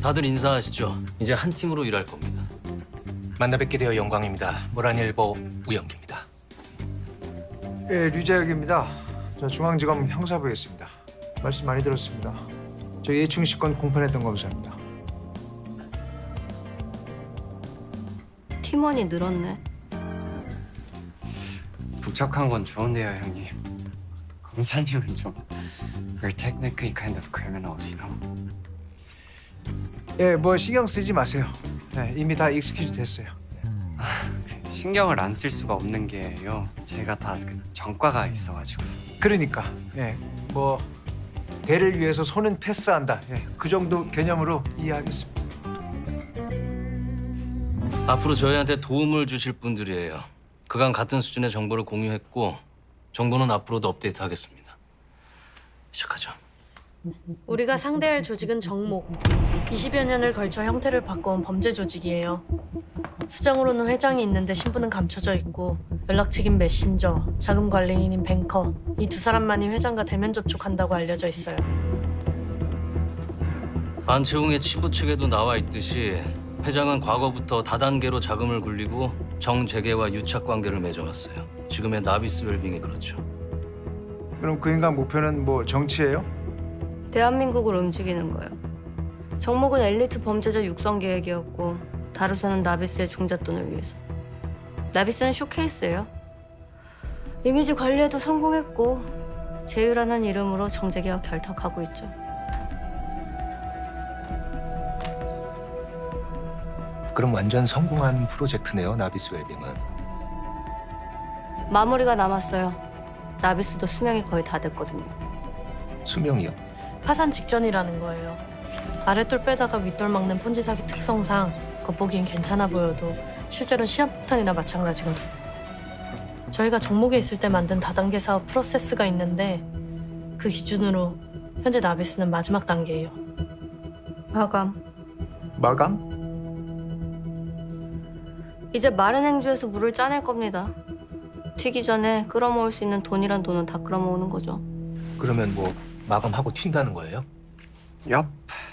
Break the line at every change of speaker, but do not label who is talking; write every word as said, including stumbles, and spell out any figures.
다들 인사하시죠. 이제 한 팀으로 일할 겁니다.
만나 뵙게 되어 영광입니다. 모란일보 우영기입니다.
예, 류재혁입니다. 저 중앙지검 형사부에 있습니다. 말씀 많이 들었습니다. 저 예충 건 공판했던 검사입니다.
팀원이 늘었네.
북적한 건 좋은데요, 형님. 검사님은 좀 We're technically kind of criminals, you know.
예, 뭐 신경 쓰지 마세요. 예, 이미 다 익스큐즈 됐어요.
신경을 안 쓸 수가 없는 게요. 제가 다 그 전과가 있어가지고.
그러니까 예, 뭐 대를 위해서 손은 패스한다. 예, 그 정도 개념으로 이해하겠습니다.
앞으로 저희한테 도움을 주실 분들이에요. 그간 같은 수준의 정보를 공유했고 정보는 앞으로도 업데이트하겠습니다. 시작하죠.
우리가 상대할 조직은 정목. 이십여 년을 걸쳐 형태를 바꿔온 범죄 조직이에요. 수장으로는 회장이 있는데 신분은 감춰져 있고 연락책인 메신저, 자금 관리인인 뱅커 이 두 사람만이 회장과 대면 접촉한다고 알려져 있어요.
안채홍의 치부 측에도 나와 있듯이 회장은 과거부터 다단계로 자금을 굴리고 정재계와 유착 관계를 맺어왔어요. 지금의 나비스 웰빙이 그렇죠.
그럼 그 인간 목표는 뭐 정치예요?
대한민국을 움직이는 거예요. 정목은 엘리트 범죄자 육성 계획이었고 다루서는 나비스의 종잣돈을 위해서. 나비스는 쇼케이스예요. 이미지 관리에도 성공했고 제휴라는 이름으로 정재계와 결탁하고 있죠.
그럼 완전 성공한 프로젝트네요, 나비스 웰빙은.
마무리가 남았어요. 나비스도 수명이 거의 다 됐거든요.
수명이요?
파산 직전이라는 거예요. 아랫돌 빼다가 윗돌 막는 폰지 사기 특성상 겉보기엔 괜찮아 보여도 실제로는 시한폭탄이나 마찬가지거든. 저희가 정목에 있을 때 만든 다단계 사업 프로세스가 있는데 그 기준으로 현재 나비스는 마지막 단계예요.
마감.
마감?
이제 마른 행주에서 물을 짜낼 겁니다. 튀기 전에 끌어모을 수 있는 돈이란 돈은 다 끌어모으는 거죠.
그러면 뭐 마감하고 튄다는 거예요?
얍.